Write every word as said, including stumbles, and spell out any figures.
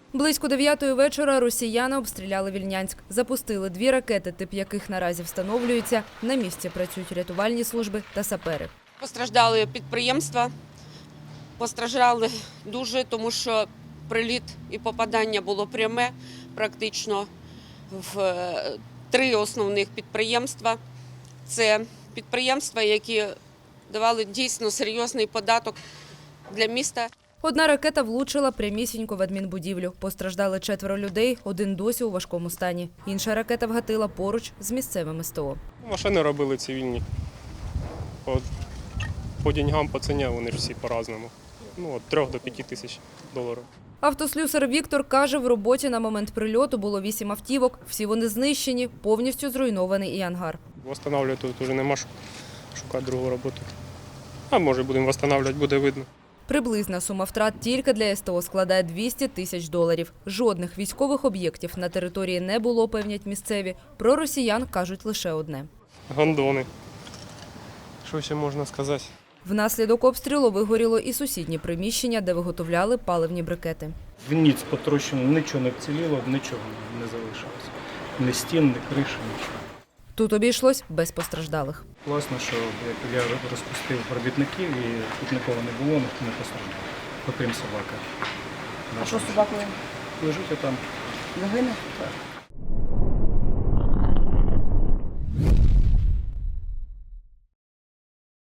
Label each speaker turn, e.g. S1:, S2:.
S1: Близько дев'ятої вечора росіяни обстріляли Вільнянськ. Запустили дві ракети, тип яких наразі встановлюється. На місці працюють рятувальні служби та сапери.
S2: Постраждали підприємства, постраждали дуже, тому що приліт і попадання було пряме практично в три основних підприємства. Це підприємства, які давали дійсно серйозний податок для міста.
S1: Одна ракета влучила прямісінько в адмінбудівлю. Постраждали четверо людей, один досі у важкому стані. Інша ракета вгатила поруч з місцевим СТО.
S3: Машини робили цивільні. По, по деньгам, по ціні вони ж всі по-разному. Ну, від трьох до п'яти тисяч доларів.
S1: Автослюсар Віктор каже, в роботі на момент прильоту було вісім автівок. Всі вони знищені, повністю зруйнований і ангар.
S3: Восстанавлювати тут вже нема що шукати другу роботу. А може будемо відновлювати, буде видно.
S1: Приблизна сума втрат тільки для СТО складає двісті тисяч доларів. Жодних військових об'єктів на території не було, певнять місцеві. Про росіян кажуть лише одне.
S3: Гондони. Що ще можна сказати?
S1: Внаслідок обстрілу вигоріло і сусіднє приміщення, де виготовляли паливні брикети.
S4: В ніц потрощено, нічого не вціліло, нічого не залишилося. Ні стін, ні криші, нічого.
S1: Тут обійшлось без постраждалих.
S4: Класно, що я розпустив робітників і тут нікого не було, ніхто не постраждав, окрім собаки.
S5: А що з собакою?
S4: Лежить там.
S5: Загине?
S4: Так.